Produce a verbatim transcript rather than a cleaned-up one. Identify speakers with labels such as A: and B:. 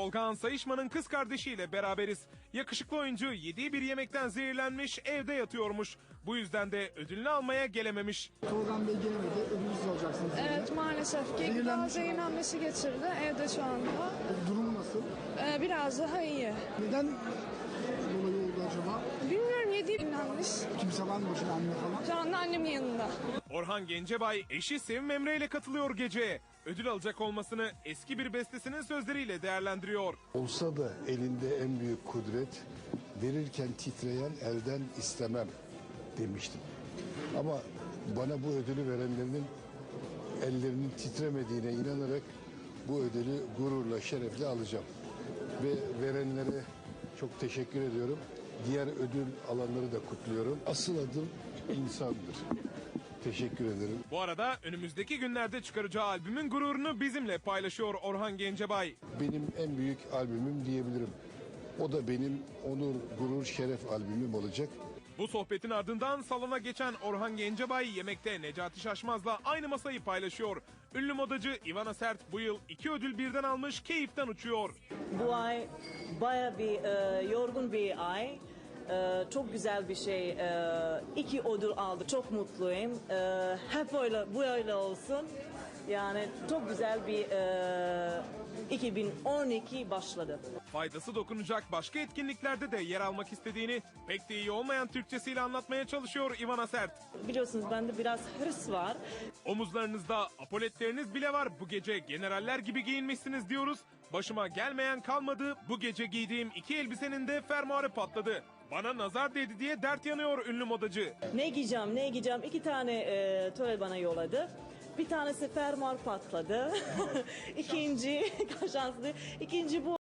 A: Tolgahan Sayışman'ın kız kardeşiyle beraberiz. Yakışıklı oyuncu yediği bir yemekten zehirlenmiş, evde yatıyormuş. Bu yüzden de ödülünü almaya gelememiş.
B: Tolgahan Bey gelemedi, ödülsüz olacaksınız.
C: Evet
B: dedi.
C: maalesef ki gıda zehirlenmesi geçirdi evde şu anda.
B: Durumu nasıl?
C: Ee, biraz daha iyi.
B: Neden dolayı oldu acaba?
C: Bilmiyorum yediği zehirlenmiş.
B: Kimse var mı başında, anne falan?
C: Şu anda annemin yanında.
A: Orhan Gencebay eşi Sevim Emre ile katılıyor geceye. Ödül alacak olmasını eski bir bestesinin sözleriyle değerlendiriyor.
D: Olsa da elinde en büyük kudret, verirken titreyen elden istemem demiştim. Ama bana bu ödülü verenlerin ellerinin titremediğine inanarak bu ödülü gururla, şerefle alacağım. Ve verenlere çok teşekkür ediyorum. Diğer ödül alanları da kutluyorum. Asıl adım insandır. Teşekkür ederim.
A: Bu arada önümüzdeki günlerde çıkaracağı albümün gururunu bizimle paylaşıyor Orhan Gencebay.
D: Benim en büyük albümüm diyebilirim. O da benim onur, gurur, şeref albümüm olacak.
A: Bu sohbetin ardından salona geçen Orhan Gencebay yemekte Necati Şaşmaz'la aynı masayı paylaşıyor. Ünlü modacı Ivana Sert bu yıl iki ödül birden almış, keyiften uçuyor.
E: Bu ay baya bir e, yorgun bir ay. E, çok güzel bir şey. E, iki ödül aldı. Çok mutluyum. E, hep öyle, bu öyle olsun. Yani çok güzel bir e, iki bin on iki başladı.
A: Faydası dokunacak başka etkinliklerde de yer almak istediğini pek de iyi olmayan Türkçesiyle anlatmaya çalışıyor Ivana Sert.
E: Biliyorsunuz bende biraz hırs var.
A: Omuzlarınızda apoletleriniz bile var. Bu gece generaller gibi giyinmişsiniz diyoruz. Başıma gelmeyen kalmadı. Bu gece giydiğim iki elbisenin de fermuarı patladı. Bana nazar değdi diye dert yanıyor ünlü modacı.
E: Ne giyeceğim, ne giyeceğim? İki tane e, töre bana yolladı. Bir tanesi fermuar patladı. İkinci, şanslı. İkinci bu.